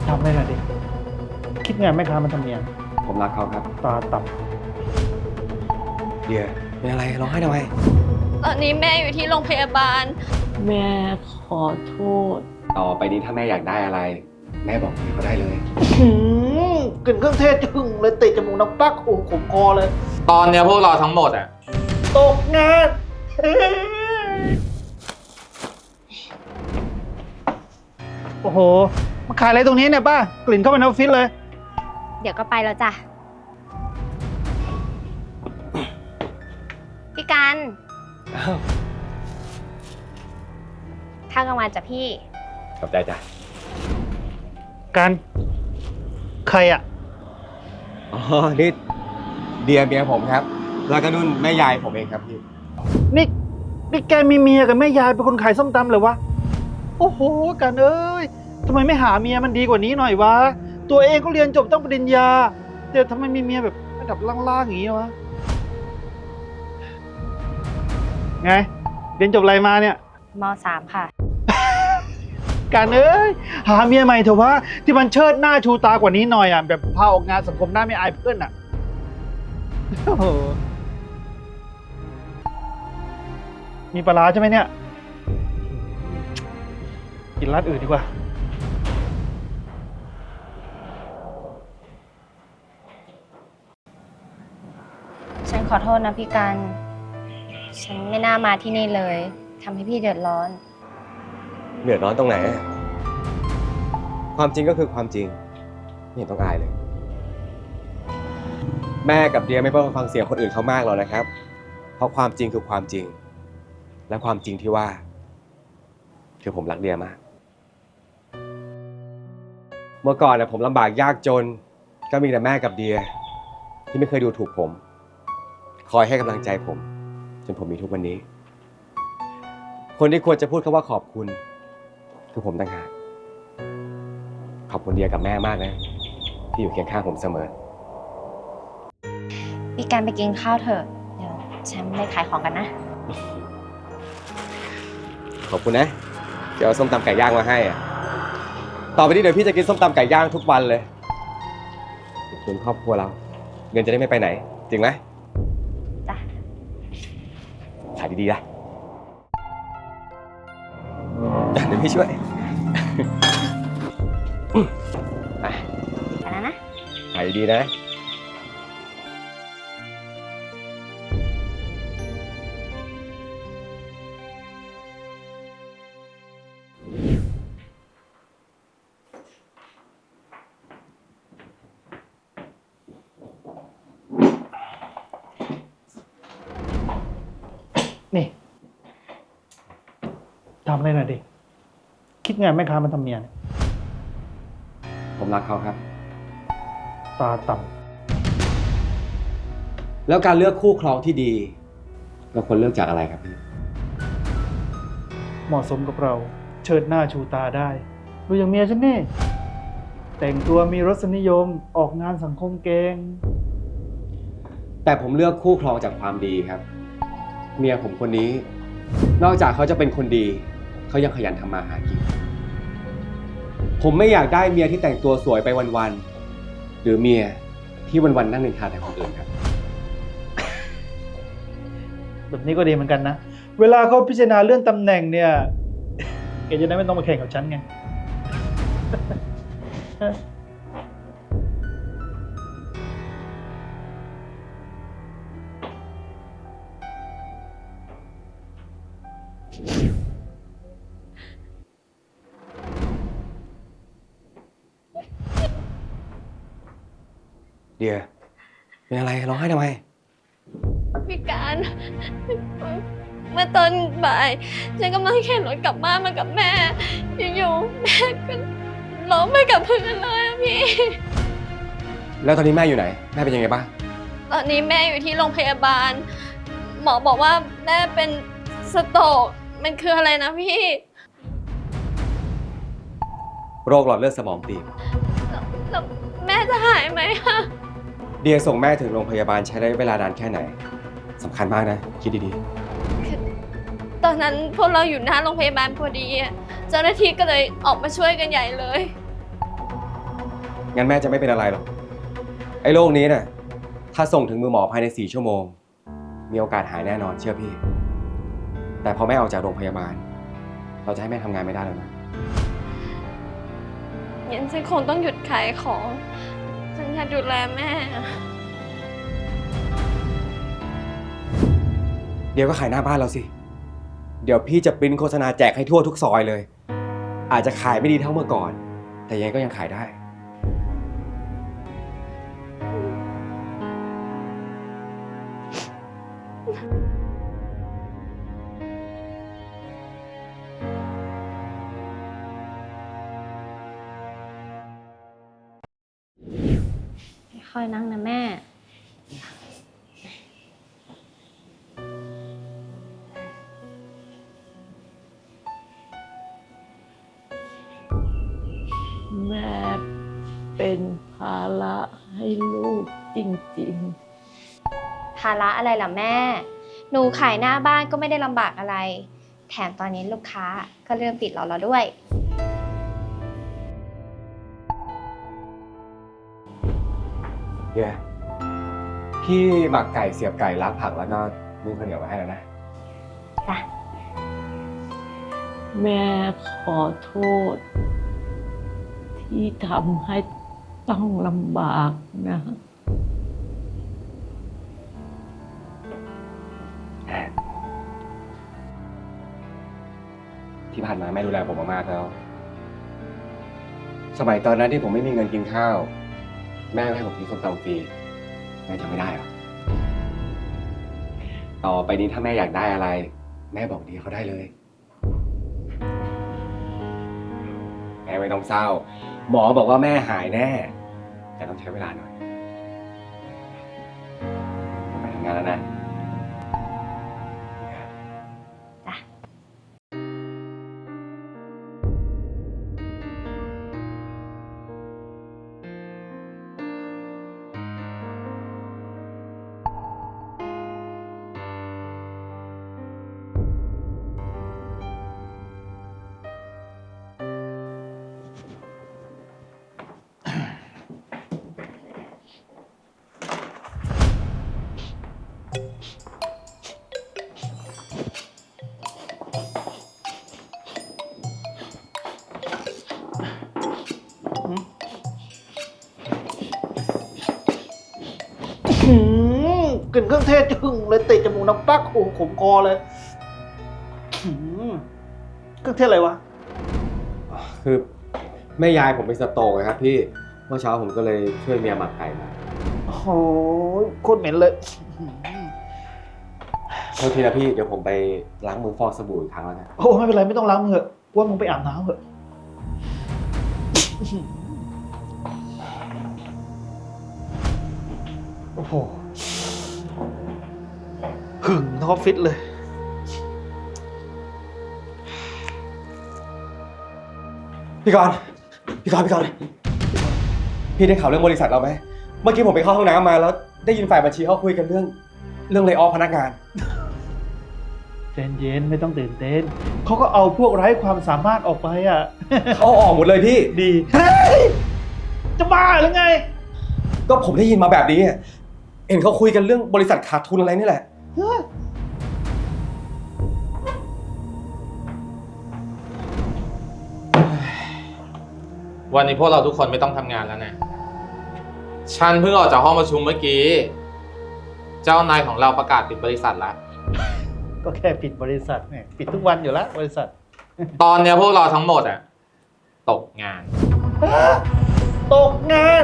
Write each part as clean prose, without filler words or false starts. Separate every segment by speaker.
Speaker 1: ทำได้หน่อยดิคิดไงแม่ค้ามันทำเนียน
Speaker 2: ผมรักเขาครับ
Speaker 1: ตาต่
Speaker 2: เดียเป็นอะไรร้องไห้ทำไม
Speaker 3: ตอนนี้แม่อยู่ที่โรงพยาบาล
Speaker 4: แม่ขอโทษ
Speaker 2: ต่อไปนี้ถ้าแม่อยากได้อะไร แม่บอกพี่เขาได้เลย
Speaker 1: กลิ่นเครื่องเทศจึงเลยติดจมูกน้ำปักโอ้ขมคอเลย
Speaker 5: ตอนเนี้ยพวกเราทั้งหมดอ่ะ
Speaker 1: ตกงานโอ้โหมาขายอะไรตรงนี้เนี่ยป้ากลิ่นเข้าไปในออฟฟิศเลย
Speaker 3: เดี๋ยวก็ไปแล้วจ้ะพี่กันข้าวกลางวันจ้ะพี่
Speaker 2: ขอบใจจ้ะ
Speaker 1: การใครอ่ะ
Speaker 2: อ๋อนี่เดียเมียผมครับแล้วก็นุ่นแม่ยายผมเองครับพี่
Speaker 1: นี่แกมีเมียกับแม่ยายเป็นคนขายส้มตำเหรอวะโอ้โหกันเอ้ยทำไมไม่หาเมียมันดีกว่านี้หน่อยวะตัวเองก็เรียนจบต้องปริญญาแต่ทำไมมีเมียแบบระดับล่างๆอย่างนี้วะไงเรียนจบอะไรมาเนี่ย
Speaker 3: ม.3 ค่ะ
Speaker 1: การเอ้ยหาเมียใหม่เถอะวะที่มันเชิดหน้าชูตากว่านี้หน่อยอ่ะแบบพาออกงานสังคมหน้าไม่อายเพื่อนอ่ะโอ้โหมีปลาร้าใช่ไหมเนี่ยกินร้านอื่นดีกว่า
Speaker 3: ฉันขอโทษนะพี่กันฉันไม่น่ามาที่นี่เลยทำให้พี่เดือดร้อน
Speaker 2: เดือดร้อนตรงไหนความจริงก็คือความจริงไม่เห็นต้องอายเลยแม่กับเดียไม่ต้องฟังเสียงคนอื่นเขามากหรอกนะครับเพราะความจริงคือความจริงและความจริงที่ว่าคือผมรักเดียมากเมื่อก่อนผมลำบากยากจนก็มีแต่แม่กับเดียที่ไม่เคยดูถูกผมคอยให้กำลังใจผมจนผมมีทุกวันนี้คนที่ควรจะพูดคำว่าขอบคุณคือผมต่างหากขอบคุณเดียกับแม่มากนะที่อยู่เคียงข้างผมเสมอ
Speaker 3: พี่กันไปกินข้าวเถอะเดี๋ยวฉันไปขายของกันนะ
Speaker 2: ขอบคุณนะเดี๋ยวเอาส้มตำไก่ย่างมาให้ต่อไปนี้เดี๋ยวพี่จะกินส้มตำไก่ย่างทุกวันเลยส่วนครอบครัวเราเงินจะได้ไม่ไปไหนจริงไหม
Speaker 3: จ้ะ
Speaker 2: ขายดีๆนะเดี๋ยวพี่ช่วย
Speaker 3: ไปแล้วนะ
Speaker 2: ขายดีๆนะ
Speaker 1: นี่ทำอะไรหน่อยดิคิดไงแม่ค้ามันทำเนียน
Speaker 2: ผมรักเขาครับ
Speaker 1: ตาต่
Speaker 2: ำแล้วการเลือกคู่ครองที่ดีเราควรเลือกจากอะไรครับพี่
Speaker 1: เหมาะสมกับเราเชิดหน้าชูตาได้ดูอย่างเมียฉันนี่แต่งตัวมีรสนิยมออกงานสังคมเก่ง
Speaker 2: แต่ผมเลือกคู่ครองจากความดีครับเมียผมคนนี้นอกจากเขาจะเป็นคนดีเขายังขยันทำมาหากินผมไม่อยากได้เมียที่แต่งตัวสวยไปวันๆหรือเมียที่วันๆนั่งนินทาแต่คนอื่นครับ
Speaker 1: แบบนี้ก็ดีเหมือนกันนะเวลาเขาพิจารณาเรื่องตำแหน่งเนี่ยแกจะได้ไม่ต้องมาแข่งกับฉันไง
Speaker 2: เดียเป็นอะไรร้องไห้ทำไม
Speaker 3: พี่การเมื่อตอนบ่ายฉันกำลังเข็นรถกลับบ้านมากับแม่อยู่ๆแม่ก็ล้มไปกับพื้นเลยอะพี่
Speaker 2: แล้วตอนนี้แม่อยู่ไหนแม่เป็นยังไงบ้าง
Speaker 3: ตอนนี้แม่อยู่ที่โรงพยาบาลหมอบอกว่าแม่เป็นสโตรกมันคืออะไรนะพี่
Speaker 2: โรคหลอดเลือดสมองตีบ
Speaker 3: แล้วแม่จะหายไหมคะ
Speaker 2: เดียส่งแม่ถึงโรงพยาบาลใช้ระยะเวลานานแค่ไหนสำคัญมากนะคิดดี
Speaker 3: ๆตอนนั้นพวกเราอยู่หน้าโรงพยาบาลพอดีเจ้าหน้าที่ก็เลยออกมาช่วยกันใหญ่เลย
Speaker 2: งั้นแม่จะไม่เป็นอะไรหรอกไอ้โรคนี้เนี่ยถ้าส่งถึงมือหมอภายใน4 ชั่วโมงมีโอกาสหายแน่นอนเชื่อพี่แต่พอแม่ออกจากโรงพยาบาลเราจะให้แม่ทำงานไม่ได้แล้วนะ
Speaker 3: งั้นฉันคงต้องหยุดขายของ ฉันอยากดูแลแม่
Speaker 2: เดี๋ยวก็ขายหน้าบ้านเราสิเดี๋ยวพี่จะปริ้นโฆษณาแจกให้ทั่วทุกซอยเลย อาจจะขายไม่ดีเท่าเมื่อก่อน แต่ยังไงก็ยังขายได้
Speaker 3: ค่อยนั่งนะแม่
Speaker 4: แม่เป็นภาระให้ลูกจริง
Speaker 6: ภาระอะไรล่ะแม่ หนูขายหน้าบ้านก็ไม่ได้ลำบากอะไร แถมตอนนี้ลูกค้าก็เริ่มติดเราแล้วด้วย
Speaker 2: เดี๋ยวพี่หมักไก่เสียบไก่ล้างผักแล้วก็นึ่งข้าวเหนียวมาให้แล้วนะ
Speaker 4: ๆ แม่ขอโทษ ที่ทำให้ต้องลำบากนะ
Speaker 2: ที่ผ่านมาแม่ดูแลผมมากๆแล้ว สมัยตอนนั้นที่ผมไม่มีเงินกินข้าว แม่ก็ให้ผมกินส้มตำฟรีแม่จำไม่ได้หรอต่อไปนี้ถ้าแม่อยากได้อะไร แม่บอกดีเขาได้เลย แม่ไม่ต้องเศร้า หมอบอกว่าแม่หายแน่ แต่ต้องใช้เวลาหน่อยผมไปทำงานแล้วนะ
Speaker 1: กลิ่นเครื่องเทศจึงเลยติดจมูกน้ำปักโอ้ขมคอเลยเครื่องเทศอะไรวะ
Speaker 2: คือแม่ยายผมเป็นสโตรกนะครับพี่ เมื่อเช้าผมก็เลยช่วยเมียหมักไก่มา
Speaker 1: โอ้โหโคตรเหม็นเลย
Speaker 2: โทษทีนะพี่เดี๋ยวผมไปล้างมือฟอกสบู่อีกครั้งแล้วนะ
Speaker 1: โอ้ไม่เป็นไรไม่ต้องล้างมือเถอะว่ามึงไปอาบน้ำเถอะโอ้โหหึงทั้งออฟฟิศเลย
Speaker 2: พี่กรณ์พี่ได้ข่าวเรื่องบริษัทเราไหมเมื่อกี้ผมไปเข้าห้องน้ำมาแล้วได้ยินฝ่ายบัญชีเขาคุยกันเรื่องเลย์ออฟพนักงาน
Speaker 1: ใจเย็นไม่ต้องตื่นเต้นเขาก็เอาพวกไร้ความสามารถออกไปอ่ะ
Speaker 2: เขาออกหมดเลยพี่
Speaker 1: ดีเฮ้ยจะบ้าหรือไง
Speaker 2: ก็ผมได้ยินมาแบบนี้อะเห็นเขาคุยกันเรื่องบริษัทขาดทุนอะไรนี่แหละ
Speaker 5: วันนี้พวกเราทุกคนไม่ต้องทำงานแล้วนะ ฉันเพิ่งออกจากห้องประชุมเมื่อกี้ เจ้านายของเราประกาศปิดบริษัทแล้ว
Speaker 1: ก็แค่ปิดบริษัทเนี่ยปิดทุกวันอยู่แล้วบริษัท
Speaker 5: ตอนเนี้ยพวกเราทั้งหมดอ่ะตกงาน
Speaker 1: ตกงาน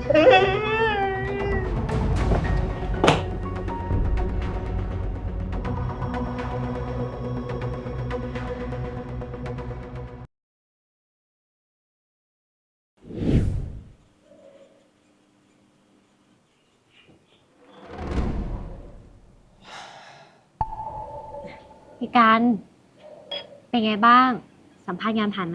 Speaker 6: พี่การเป็นไงบ้าง สัมภาษณ์งานผ่านไหม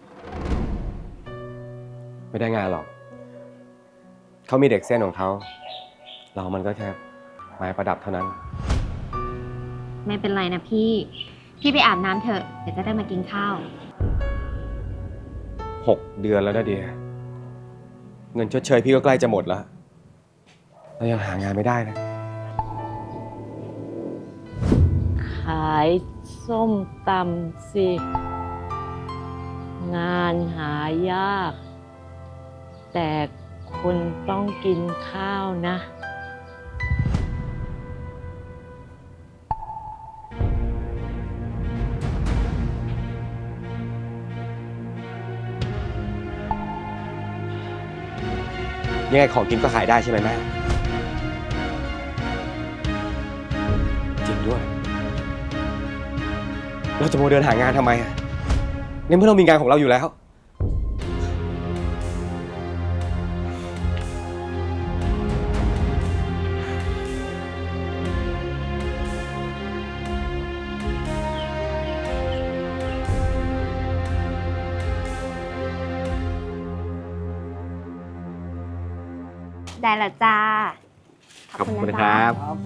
Speaker 2: ไม่ได้งานหรอก เขามีเด็กเส้นของเขา เรามันก็แค่ไม้ประดับเท่านั้น
Speaker 6: ไม่เป็นไรนะพี่ไปอาบน้ำเถอะ เดี๋ยวจะได้มากินข้าว
Speaker 2: 6 เดือนแล้วนะเดียเงินชดเชยพี่ก็ใกล้จะหมดแล้วแล้วยังหางานไม่ได้นะ
Speaker 4: ขายส้มตำสิ งานหายาก แต่คุณต้องกินข้าวนะ
Speaker 2: ยังไงของกินก็ขายได้ใช่ไหมแม่ จริงด้วย เราจะโมวเดินหางานทำไมอ่ะในเมื่อเรามีงานของเราอยู่แล้ว
Speaker 6: ได้ละจ้า ขอบคุณนะจ๊ะ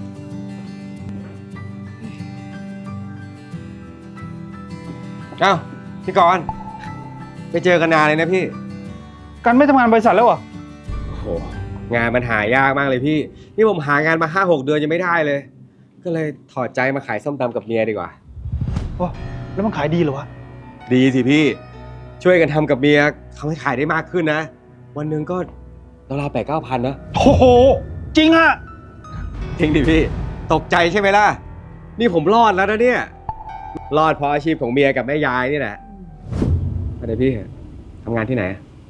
Speaker 2: เอ้าพี่กรณ์ไปเจอกันนานเลยนะพี่
Speaker 1: กันไม่ทำงานบริษัทแล้วเหรอ
Speaker 2: โอ้โห งานมันหายากมากเลยพี่ นี่ผมหางานมา5-6 เดือนยังไม่ได้เลย ก็เลยถอดใจมาขายส้มตำกับเมียดีกว่า
Speaker 1: โอ้แล้วมันขายดีเหรอวะ
Speaker 2: ดีสิพี่ ช่วยกันทำกับเมียเขาให้ขายได้มากขึ้นนะ วันหนึ่งก็ราวๆ8-9 พันนะ
Speaker 1: โอ้โห จริงอะ
Speaker 2: จริงดิพี่ ตกใจใช่ไหมล่ะ นี่ผมรอดแล้วนะเนี่ย รอดเพราะอาชีพของเมียกับแม่ยายนี่แหละอะไรพี่ทำงานที่ไหน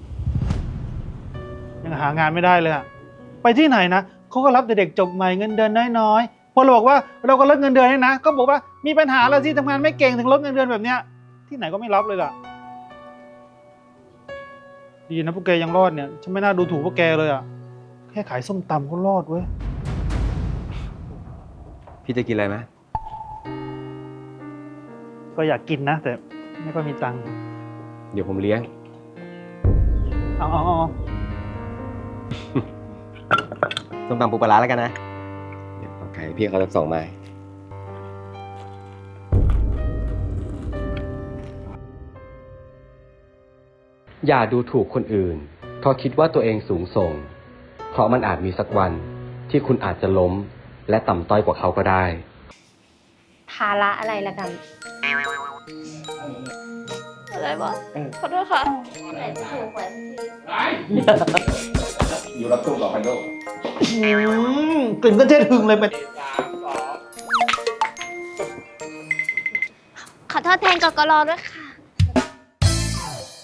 Speaker 1: ยังหางานไม่ได้เลยอะไปที่ไหนนะเขาก็รับแต่เด็กจบใหม่เงินเดือนน้อยๆพอเราบอกว่าเราก็ลดเงินเดือนให้นะ ก็บอกว่ามีปัญหาแล้วสิทำงานไม่เก่งถึงลดเงินเดือนแบบเนี้ย ที่ไหนก็ไม่รับเลยล่ะ ดีนะพวกแกยังรอดเนี่ยฉันไม่น่าดูถูกพวกแกเลยอะแค่ขายส้มตำก็รอดเว้ย
Speaker 2: พี่จะกินอะไรไหม
Speaker 1: ก็อยากกินนะ แต่ไม่ค่อยมีตังค์
Speaker 2: เดี๋ยวผมเลี้ยง
Speaker 1: เอา
Speaker 2: ส้มตำปูปลาร้าแล้วกันนะ เดี๋ยวเอาไก่พี่เขาจะ2 ไม้ อย่าดูถูกคนอื่น เพราะคิดว่าตัวเองสูงส่ง เพราะมันอาจมีสักวันที่คุณอาจจะล้มและต่ำต้อยกว่าเขาก็ได้
Speaker 6: ภาระอะไรละกัน
Speaker 3: อะไรวะขอโทษค่ะ
Speaker 2: อยู่รับตู้ต่อไปลูก
Speaker 1: กลิ่นก็เจ๊ถึงเลยเป็น
Speaker 6: ขอโทษแทนกกรด้วยค่ะ